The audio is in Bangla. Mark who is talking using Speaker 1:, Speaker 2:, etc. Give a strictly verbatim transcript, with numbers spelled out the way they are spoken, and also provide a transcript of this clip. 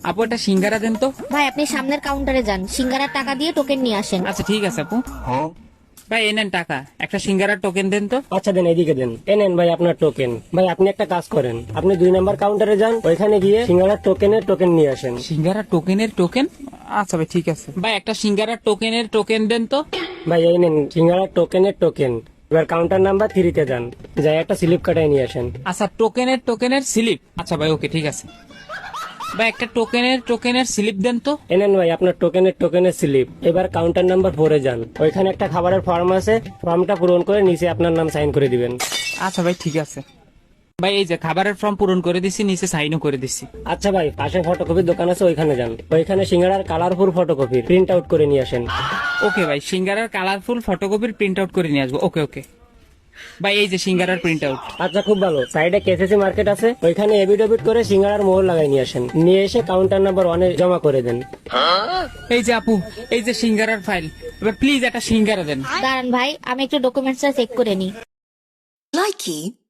Speaker 1: আপু একটা সিঙ্গারা দেন তো।
Speaker 2: ভাই আপনি সামনের কাউন্টারে যান, সিঙ্গারার টাকা দিয়ে টোকেন নিয়ে আসেন।
Speaker 1: আচ্ছা ঠিক আছে আপু। ভাই এই নেন টাকা, একটা সিঙ্গারার টোকেন দেন তো।
Speaker 3: আচ্ছা দেন, এদিকে দেন। এ নেন ভাই আপনার টোকেন। ভাই আপনি একটা কাজ করেন, আপনি দুই নাম্বার কাউন্টারে যান, ওইখানে গিয়ে সিঙ্গারার টোকেনের টোকেন নিয়ে আসেন।
Speaker 1: সিঙ্গারা টোকেনের টোকেন? আচ্ছা ভাই ঠিক আছে। ভাই একটা সিঙ্গারার টোকেনের টোকেন দেন তো।
Speaker 3: ভাই এই নেন সিঙ্গারার টোকেনের টোকেন। এবার কাউন্টার নাম্বার থ্রিতে যান, যাই একটা স্লিপ কাটায় নিয়ে আসেন।
Speaker 1: আচ্ছা টোকেনের টোকেনের স্লিপ। আচ্ছা ভাই ওকে ঠিক আছে। ভাই একটা টোকেনের টোকেনের স্লিপ দেন তো।
Speaker 3: এ নেন ভাই আপনার টোকেনের টোকেনের স্লিপ। এবার কাউন্টার নাম্বার ফোরে যান, ওইখানে একটা খাবারের ফর্ম আছে, ফর্মটা পূরণ করে নিচে আপনার নাম সাইন করে দিবেন।
Speaker 1: আচ্ছা ভাই ঠিক আছে। ভাই এই যে খাবারের ফর্ম পূরণ করে দিছি, নিচে সাইনও করে দিছি।
Speaker 3: আচ্ছা ভাই পাশে ফটোকপির দোকান আছে, ওইখানে যান, ওইখানে সিঙ্গারার কালারফুল ফটোকপি প্রিন্ট আউট করে নিয়ে আসেন।
Speaker 1: ওকে ভাই, সিঙ্গারার কালারফুল ফটোকপির প্রিন্ট আউট করে নিয়ে আসবো। ওকে ওকে ভাই, এই যে সিঙ্গারার প্রিন্ট আউট।
Speaker 3: আচ্ছা খুব ভালো। সাইডে কেসিসি মার্কেট আছে, ওইখানে এবিডেবিট করে সিঙ্গারার মোহর লাগাই নিয়ে আসেন, নিয়ে এসে কাউন্টার নাম্বার ওয়ানে জমা করে দেন।
Speaker 1: এই যে আপু, এই যে সিঙ্গারার ফাইল। এবার প্লিজ একটা সিঙ্গারা দেন।
Speaker 2: দাঁড়ান ভাই, আমি একটু ডকুমেন্টসটা চেক করে নিই।
Speaker 4: Likey